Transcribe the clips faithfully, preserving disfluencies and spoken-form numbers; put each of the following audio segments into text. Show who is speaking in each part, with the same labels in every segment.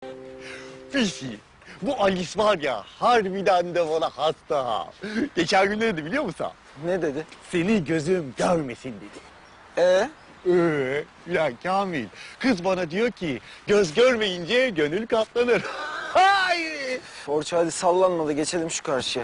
Speaker 1: Fisi, bu Alice var ya, harbiden de bana hasta. Geçen gün ne dedi biliyor musun?
Speaker 2: Ne dedi?
Speaker 1: Seni gözüm görmesin dedi.
Speaker 2: Ee?
Speaker 1: Ee, ya Kamil, kız bana diyor ki, göz görmeyince gönül katlanır. Hayır!
Speaker 2: Orçu hadi sallanma da geçelim şu karşıya.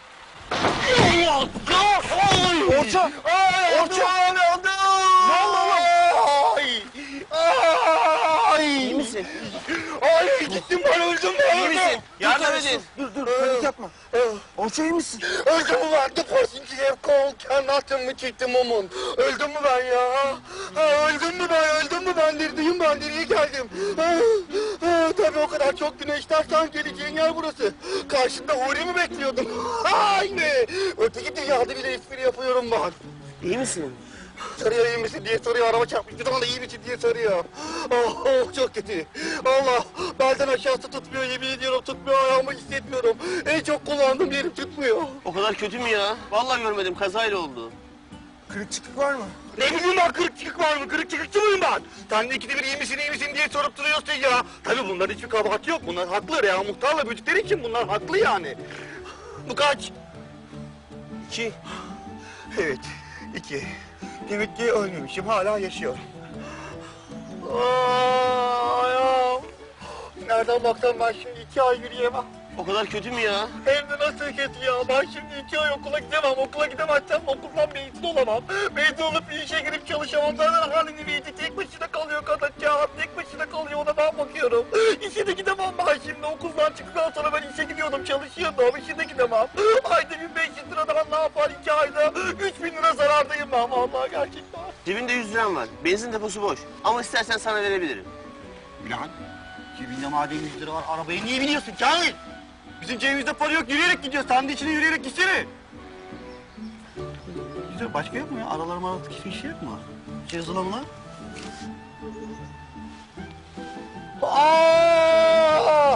Speaker 1: Orça! Orça! Ne oldu? Ne oldu oğlum? Ay! Ay!
Speaker 2: İyi misin?
Speaker 1: Ay gittim ben öldüm ben
Speaker 2: İyi
Speaker 1: öldüm.
Speaker 2: misin? Yardım
Speaker 1: Dur,
Speaker 2: edin. Dur dur
Speaker 1: Ee,
Speaker 2: panik yapma. Orçu iyi misin?
Speaker 1: Öldüm mü ben? The person you have called cannot mı çıktı mumun? Öldüm mü ben ya? Ha, öldüm mü ben? Öldüm mü ben? Neredeyim ben? Nereye geldim? Ha, ha, tabii o kadar çok güneşlersen geleceğin yer burası. Karşında Huri mi bekliyordum? Aynı. Öteki dünyada bile espri yapıyorum ben.
Speaker 2: İyi misin?
Speaker 1: Soruyor iyi misin diye soruyor, araba çarpmış bir zaman da iyi misin diye soruyor. Oh, oh çok kötü. Allah, belden aşağısı tutmuyor, yemin ediyorum tutmuyor, ayağımı hissetmiyorum. En çok kullandığım yerim tutmuyor.
Speaker 3: O kadar kötü mü ya? Vallahi görmedim, kazayla oldu.
Speaker 2: Kırık çıkık var mı?
Speaker 1: Ne bileyim ben, kırık çıkık var mı, kırık çıkıkçı mıyım ben? Sen de ikide bir iyi misin, iyi misin diye sorup duruyorsun ya. Tabii bunların hiçbir kabahati yok, bunlar haklı ya. Muhtarla büyüdükleri için bunlar haklı yani. Bu kaç?
Speaker 2: İki.
Speaker 1: Evet, iki. Demek ki ölmemişim, hala yaşıyorum. Aa, ayağım. Nereden baksam ben şimdi iki ay yürüyemem.
Speaker 3: O kadar kötü mü ya?
Speaker 1: Hem de nasıl kötü ya? Ben şimdi iki ay okula gidemem. Okula gidemezsem okuldan mezun olamam. Mezun olup bir işe girip çalışamam. Zaten halini verdi. Tek başına kalıyor kadıncağız. Tek başına kalıyor. Ona ben bakıyorum. İşe de gidemem ben şimdi. Okuldan çıktıktan sonra ben işe gidiyordum. Çalışıyordum. İşe de gidemem. Ayda bin beş yüz liradan ne yapar iki ayda? Üç bin lira zarardayım ben vallahi gerçekten.
Speaker 3: Cebinde yüz liram var. Benzin deposu boş. Ama istersen sana verebilirim.
Speaker 1: Ulan cebinde madem yüz lira var arabayı niye biniyorsun Kamil? Bizim cebimizde para yok, yürüyerek gidiyoruz. Sen de içine yürüyerek gitsene. Güzel, başka yok mu ya? Aralarım aralık hiçbir şey yok mu? Şey yazılan lan. Aaaa!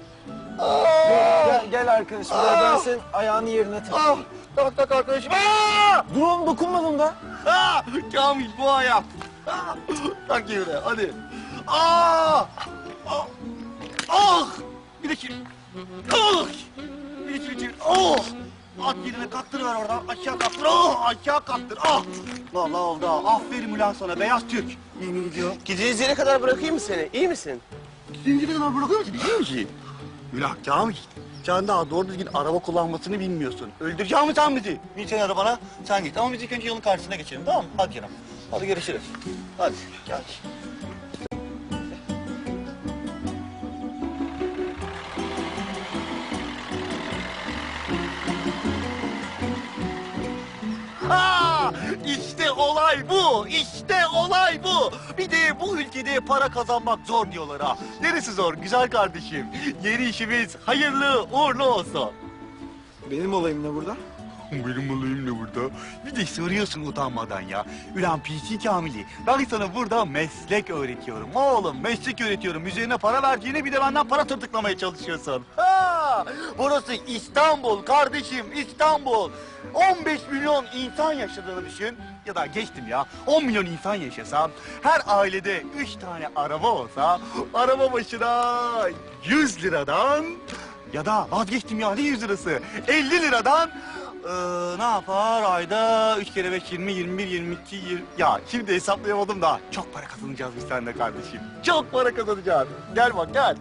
Speaker 2: Gel, gel arkadaşım. Gel, ben senin ayağını yerine
Speaker 1: Ah!
Speaker 2: takayım.
Speaker 1: Tak tak arkadaşım. Aa!
Speaker 2: Dur oğlum dokunmadım da.
Speaker 1: Aa! Kamil bu ayak. Aa! Tak yerine hadi. Aa! Ah! Ah! Bir de şimdi. Ah! Bir de şimdi. Oh! At yerine kattırıver oradan. Aşağı kattır. Oh! Aşağı kattır. Ah! Vallahi oldu ha. Aferin ulan sana beyaz Türk. Yemin ediyorum.
Speaker 3: Gideceğiz yere kadar bırakayım mı seni? İyi misin?
Speaker 1: Zinciri kadar bırakıyor musun? Biliyor musun? Ulan Kamil. Sen daha doğru düzgün araba kullanmasını bilmiyorsun. Öldüreceğim mi sen bizi? Bin sen arabana, sen git. Ama biz ilk önce yolun karşısına geçelim, tamam mı? Hadi canım. Hadi görüşürüz. Hadi, gel. Ha! İşte olay bu, işte olay bu. Bir de bu ülkede para kazanmak zor diyorlar ha. Neresi zor güzel kardeşim? Yeni işimiz hayırlı uğurlu olsun.
Speaker 2: Benim olayım ne burada?
Speaker 1: Benim olayım ne burada? Bir de soruyorsun utanmadan ya. Ulan P C Kamil'i, ben sana burada meslek öğretiyorum. Oğlum meslek öğretiyorum. Üzerine para verdiğine bir de benden para tırtıklamaya çalışıyorsun. Ha! Burası İstanbul kardeşim, İstanbul. on beş milyon insan yaşadığını düşün. Ya da geçtim ya, on milyon insan yaşasam, her ailede üç tane araba olsa, araba başına yüz liradan... Ya da vazgeçtim ya, ne yüz lirası? elli liradan ee, ne yapar ayda üç kere beş yirmi, yirmi bir, yirmi iki, yirmi... Ya şimdi hesaplayamadım da çok para kazanacağız biz seninle kardeşim. Çok para kazanacağız. Gel bak gel.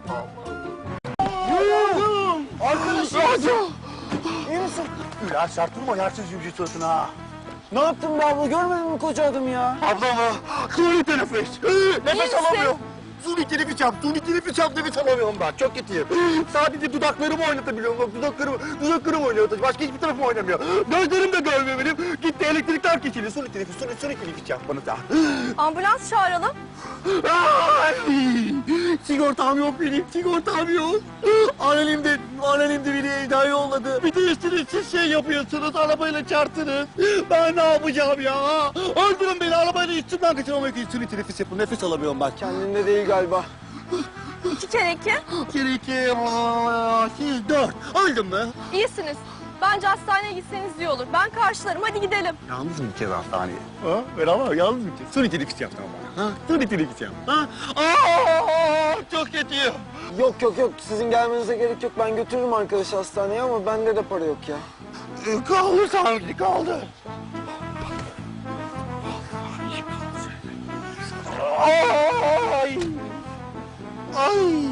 Speaker 2: Yürüyorum. Arkadaşım. İyi misin?
Speaker 1: Ulan sert vurma yersiz yüzü suratına.
Speaker 2: Ne yaptın be abla? Görmedin mi koca adamı ya?
Speaker 1: Ablamı suni teneffüs. Ee, nefes
Speaker 4: misin?
Speaker 1: alamıyorum. Suni teneffüs yap, suni teneffüs yap, nefes alamıyorum ben. Çok kötüyüm. Sadece dudaklarımı oynatabiliyorum. Bak dudaklarımı, dudaklarımı oynuyor. Başka hiçbir tarafım oynamıyor. Gözlerim de görmüyor benim. Gitti elektrikler kesildi. Suni teneffüs, suni, suni teneffüs yap bana da.
Speaker 4: Ambulans çağıralım.
Speaker 1: Ay! Sigortam yok benim, sigortam yok. Annelim de, annelim de beni evden yolladı. Bir de üstüne siz şey yapıyorsunuz, arabayla çarptınız. Ben ne yapacağım ya? Öldürün beni, arabayla üstümden kaçırmamak için suni teneffüs yapın. Nefes alamıyorum ben.
Speaker 2: Kendinde değil galiba.
Speaker 4: İki kere iki.
Speaker 1: Bir, iki, aa, siz dört. Öldüm mü?
Speaker 4: İyisiniz. Bence hastaneye gitseniz iyi olur. Ben karşılarım. Hadi gidelim.
Speaker 1: Yalnız mı gideceğiz hastaneye? Ha? Beraber yalnız mı gideceğiz? Suni teneffüs yap tamam bana. Ha? Suni teneffüs yap. Ha? Aa, çok kötüyüm.
Speaker 2: Yok yok yok sizin gelmenize gerek yok. Ben götürürüm arkadaşı hastaneye ama bende de para yok ya.
Speaker 1: Ee, Kaldır sanki kaldır. Ay! Ay!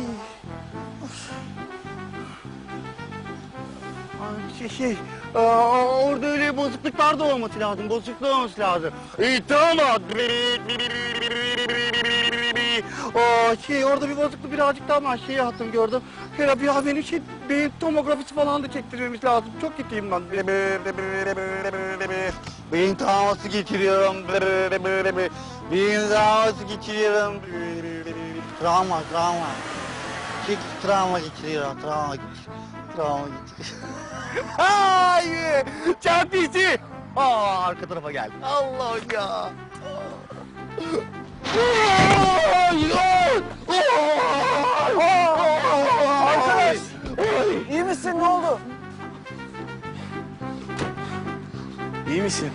Speaker 1: Ay, Şey, şey, aa, orada öyle bozukluklar da olması lazım, bozukluk olması lazım. İyi, tamam. Aa, şey, orada bir bozukluk birazcık daha ama şey yaptım, gördüm. Şöyle bir ya benim şey, beyin tomografisi falan da çektirmemiz lazım. Çok kötüyüm ben. Beyin travması geçiriyorum. Beyin travması geçiriyorum. Travma, travma. Şey, travma geçiriyorum, travma geçiriyorum. Travma geçiriyorum. Hayır! Çarpıcı! Aa, arka tarafa gel. Allah ya!
Speaker 2: Arkadaş! İyi misin? Ne oldu?
Speaker 1: İyi misin?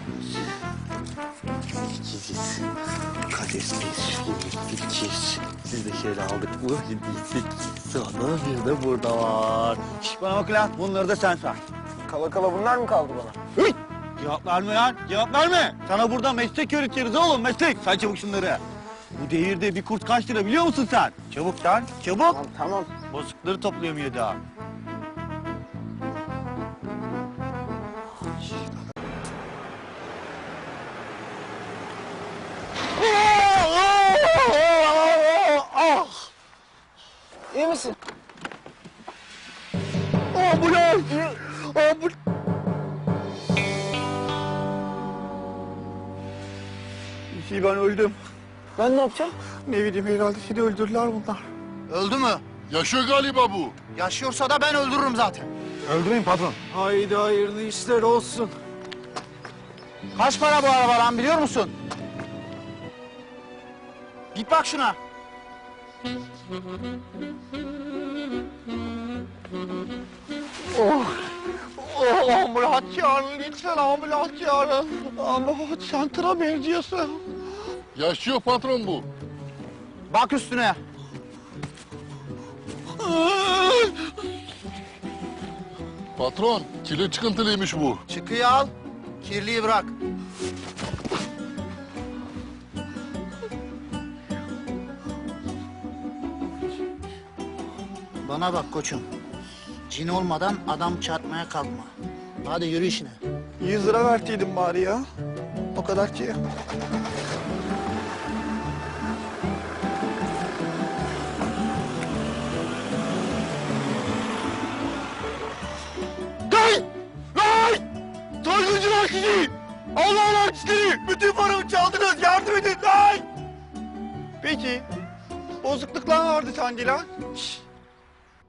Speaker 1: İkinciz. Kadesiz, ikiz. Siz de şöyle aldık mı? Sekiz. Sonra bir de burada var. Şş, bana bak lan, bunları da sen say.
Speaker 2: Kala kala bunlar mı kaldı bana?
Speaker 1: Hıy! Cevap verme lan, cevap verme. Sana burada meslek öğretiyoruz oğlum, meslek. Say çabuk şunları. Bu devirde bir kurt kaç lira biliyor musun sen? Çabuk lan, çabuk.
Speaker 2: Tamam tamam.
Speaker 1: Bozukları toplayamıyor daha. Ah!
Speaker 2: İyi misin?
Speaker 1: Ambulans! Ambul... Şey, ben öldüm.
Speaker 2: Ben ne yapacağım?
Speaker 1: Ne bileyim, herhalde seni öldürdüler bunlar.
Speaker 5: Öldü mü?
Speaker 6: Yaşıyor galiba bu.
Speaker 5: Yaşıyorsa da ben öldürürüm zaten.
Speaker 1: Öldürmeyin patron.
Speaker 2: Haydi hayırlı işler olsun.
Speaker 5: Kaç para bu araba lan biliyor musun? Git bak şuna.
Speaker 1: Oh, ambulans çağırın lütfen, ambulans çağırın. Ambulans, sen tıra benziyorsun.
Speaker 6: Yaşıyor patron bu.
Speaker 5: Bak üstüne.
Speaker 6: Patron, kirli çıkıntılıymış bu.
Speaker 5: Çıkıyı al. Kirliyi bırak. Bana bak koçum. Cin olmadan adam çarpmaya kalkma. Hadi yürü işine.
Speaker 1: Yüz lira vertiydim bari ya. O kadar ki. Gay! Gay! Soyguncular sizi! Allah'lar sizi! Bütün paramı çaldınız, yardım edin! Gay! Peki, bozukluklar vardı sanki lan. Şşş!